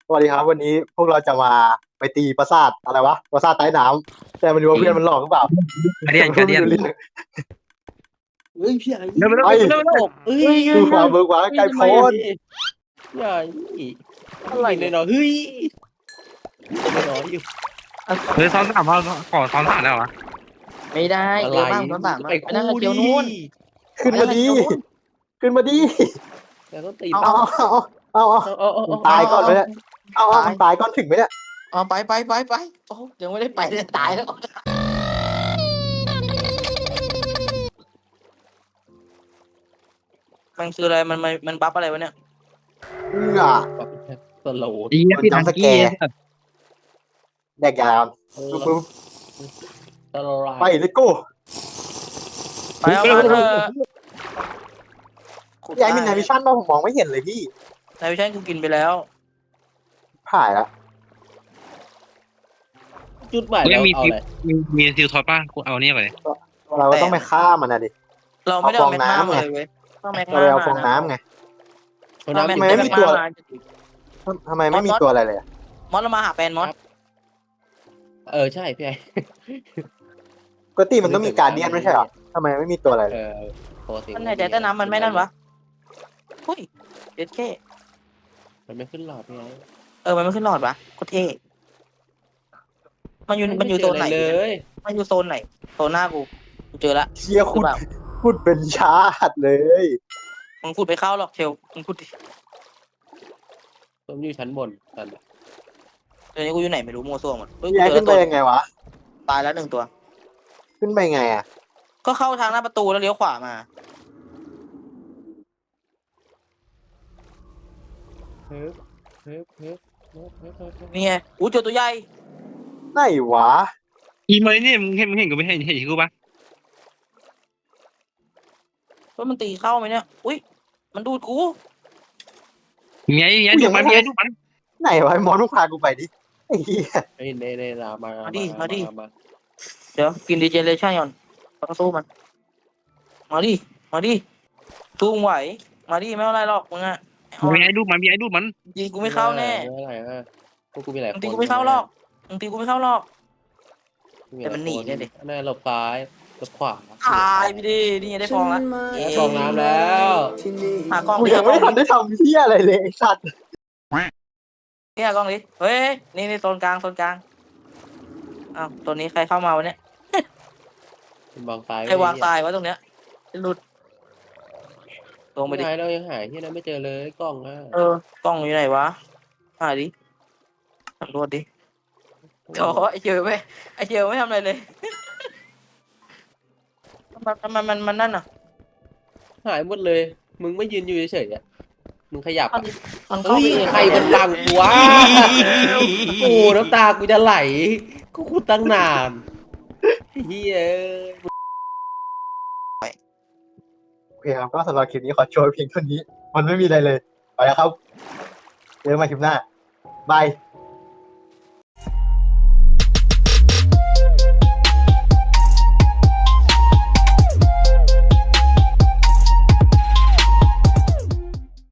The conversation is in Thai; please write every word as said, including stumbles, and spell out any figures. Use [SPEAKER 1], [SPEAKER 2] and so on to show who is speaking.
[SPEAKER 1] สวัสดีครับวันนี้พวกเราจะมาไปตีปราสาทอะไรวะปราสาทใต้น้ำแต่ไม่รู้ว่าเพื่อนมันหลอกหรือเปล่า
[SPEAKER 2] การเดียน
[SPEAKER 1] พู
[SPEAKER 2] การเดียน
[SPEAKER 1] ดไม่รู้เรื่อง
[SPEAKER 3] เฮ้ยพี่ไอ้
[SPEAKER 2] เร็วเร็ว
[SPEAKER 1] ไป
[SPEAKER 2] เร็วเร็วเร็ว
[SPEAKER 3] ตกเฮ้ย
[SPEAKER 1] คือความเบิกบานไกลโพ้น
[SPEAKER 3] พี่ไอ้อะไรเนี่ยเนาะเฮ้ยไม่น้อยอยู่
[SPEAKER 2] เฮ้ยซ้อนสามเขาขอซ้อนสามได้เหรอวะ
[SPEAKER 4] ไม่ได้
[SPEAKER 3] อะไร
[SPEAKER 4] เจอบ้างซ้อนสาม
[SPEAKER 3] ไป
[SPEAKER 4] อะไปนั่งกับ
[SPEAKER 3] คู่ดิ
[SPEAKER 4] เจียวนู้น
[SPEAKER 1] ขึ้นมาดีขึ้นมาดี
[SPEAKER 3] แต่ต้องตี
[SPEAKER 1] เอาเอาเอาเอา
[SPEAKER 3] เอาเอาเอา
[SPEAKER 1] มึงตายก่อนไหมเนี่ยเอาเอามึงตายก่อนถึงไหมเนี่ย
[SPEAKER 4] อ๋อไปไปไปไปโอ้ยังไม่ได้ไปเลยตายแล้วมันคืออะไรมันมันมันบัฟอะไรวะเนี่ย
[SPEAKER 1] เอื้อ
[SPEAKER 3] สโลว์
[SPEAKER 2] อีพี่ทังกี้
[SPEAKER 1] แดกยาวปึ๊บ
[SPEAKER 3] สโลว์
[SPEAKER 1] ไปเลโก้
[SPEAKER 4] ไปเอามาเถอะขุด
[SPEAKER 1] ยายมีนายวิชั่นป่ะผมมองไม่เห็นเลยพี่
[SPEAKER 4] นายวิชันกูกินไปแล้ว
[SPEAKER 1] ผ่ายแล้ว
[SPEAKER 3] จุดใหม่
[SPEAKER 2] กูยั
[SPEAKER 3] แล้ว
[SPEAKER 2] งมี
[SPEAKER 3] เอา
[SPEAKER 2] ซิล
[SPEAKER 3] อะไร
[SPEAKER 2] มีมีซิลทอดป่ะกูเอาเนี่ยไป
[SPEAKER 1] เราก็ต้องไปฆ่ามันนะดิ
[SPEAKER 4] เราไม่ได้เอาแมก
[SPEAKER 1] เอาฟอง
[SPEAKER 4] มา
[SPEAKER 1] น้ำไง
[SPEAKER 4] เลยเว้ยต้องแมก
[SPEAKER 1] เรา
[SPEAKER 4] มา
[SPEAKER 1] ไปเอา
[SPEAKER 4] มา
[SPEAKER 1] ฟองน้ำไง
[SPEAKER 3] เอา
[SPEAKER 4] ถ้าแม
[SPEAKER 3] น้ำ
[SPEAKER 4] ก
[SPEAKER 3] อยู่
[SPEAKER 1] ไม่
[SPEAKER 4] แม
[SPEAKER 1] มี
[SPEAKER 4] ก
[SPEAKER 1] ตัว
[SPEAKER 4] มา
[SPEAKER 1] ทำไมไม่มีตัวอะไรเลยอะ
[SPEAKER 4] มอสเรามาหาแฟนมอส
[SPEAKER 3] เออใช่พี่ไอ้
[SPEAKER 1] ปกติมันต้องมีการเดียนไม่ใช่เหรอทำไมไม่มีตัวอะไรเล
[SPEAKER 3] เอย อปกติ
[SPEAKER 4] มันไหนใจใต้น้ำมันไม่นั่นวะหุ้ยเด็ดแค่
[SPEAKER 3] มันไม่ขึ้นหลอดพี่ไอ้
[SPEAKER 4] เออมันไม่ขึ้นหลอดวะโคตรเท่มันอยู่มันอยู่โซนไหน
[SPEAKER 3] เลย
[SPEAKER 4] มันอยู่โซนไหนโซนหน้ากูกูเจอละ
[SPEAKER 1] เชียร์คุณ
[SPEAKER 4] หรือเปล่า
[SPEAKER 1] พูดเป็นชาติเลย
[SPEAKER 4] มึงพูดไปเข้าหรอกเชลมึงพูดดิ
[SPEAKER 3] ผมอยู่ชั้นบนตอน
[SPEAKER 4] เดี๋ยวนี้กูอยู่ไหนไม่รู้มัวซั่วหมดเฮ้ยกู
[SPEAKER 1] แย่
[SPEAKER 4] เจอ
[SPEAKER 1] ขึ้
[SPEAKER 4] แล้
[SPEAKER 1] น
[SPEAKER 4] ว
[SPEAKER 1] ไป
[SPEAKER 4] ตัว
[SPEAKER 1] ยังไงวะ
[SPEAKER 4] ตายแล้วหนึ่งตัว
[SPEAKER 1] ขึ้นไปไงอ่ะ
[SPEAKER 4] ก็เข้าทางหน้าประตูแล้วเลี้ยวขวามา
[SPEAKER 3] เฮ้ยเฮ้ยเฮ้ยเฮ้ยเฮ้ยเฮ้ย
[SPEAKER 4] นี่ไงอู้เจอตัวใหญ่
[SPEAKER 1] ไหนวะ
[SPEAKER 2] อีเมย์เนี่ยมึงเห็นมึงเห็นกูไม่เห็นเห็นกูป่ะ
[SPEAKER 4] ว่ามันตีเข้าไหมเนี่ยอุ้ยมันดูดกู
[SPEAKER 2] มีไงมีไงดูมันมีไงดูมัน
[SPEAKER 1] ไหนวะมอนมึงพากูไปดิไอ้เหี้ย
[SPEAKER 3] เฮ้ยเน่เน่มามา
[SPEAKER 4] มาดิมาดิ
[SPEAKER 3] มา
[SPEAKER 4] เดี๋ยวกินดีเจเลชั่นก่อนต้องสู้มันมาดิมาดิสู้มึงไหวมาดิไม่เอาอะไรหรอกมึงอะเอา
[SPEAKER 2] มีไงดูมันมีไงดูมัน
[SPEAKER 4] ยิงกูไม่เข้าแน่
[SPEAKER 3] ไม่อะไรอ่ะพวกกูมีหลายค
[SPEAKER 4] มึง
[SPEAKER 3] น
[SPEAKER 4] ตีกูไม่เข้าหรอกมึงตีกูไม่เข้าหรอก แต่มันหนีเนี่ยดิ
[SPEAKER 3] แน่หลบซ้ายหลบขวา
[SPEAKER 4] ตายไปดินี่ไงได้ฟองละเอ๊ะ
[SPEAKER 3] ฟองน้ำแล้ว
[SPEAKER 4] หากล้อง
[SPEAKER 1] กู
[SPEAKER 4] ดิ
[SPEAKER 1] ยัง
[SPEAKER 4] หากล้
[SPEAKER 1] ไม่
[SPEAKER 4] อง
[SPEAKER 1] ทัน
[SPEAKER 4] ดิ
[SPEAKER 1] ได้ทำเหี้ยอะไรเลยไอ้สัตว์
[SPEAKER 4] นี่หากล้องดิเฮ้ยนี่นี่โซนกลางโซนกลางอ้าวตัวนี้ใครเข้ามาวะเนี่ย
[SPEAKER 3] วางซ้าย
[SPEAKER 4] ใครวางตายวะตรงเนี้ยหลุดลงไป
[SPEAKER 3] ไม่
[SPEAKER 4] ดิ
[SPEAKER 3] ได้เรายังหายที่นั่นไม่เจอเลยกล้องอ่ะ
[SPEAKER 4] เออกล้องอยู่ไหนวะหาดิสำรวจดิโอ้ไอเจียวไม่ไอเจียวไม่ทำอะไรเลยมันมันมันมันมันนั่นอ่ะ
[SPEAKER 3] หายหมดเลย มึงไม่ยืนอยู่เฉยๆอ่ะมึงขยับ
[SPEAKER 4] มัน
[SPEAKER 3] อ่ะ
[SPEAKER 4] มันเข้า
[SPEAKER 3] เฮ้ย
[SPEAKER 4] ไป
[SPEAKER 3] ใครมันบังกูวะโอ้น้ำตากูจะไหลกูพูดตั้งนานเฮีย
[SPEAKER 1] โอเคครับก็สำหรับคลิปนี้ขอโชว์เพียงเท่านี้ มันไม่มีอะไรเลยไปแล้วครับเจอกันใหม่คลิปหน้าบาย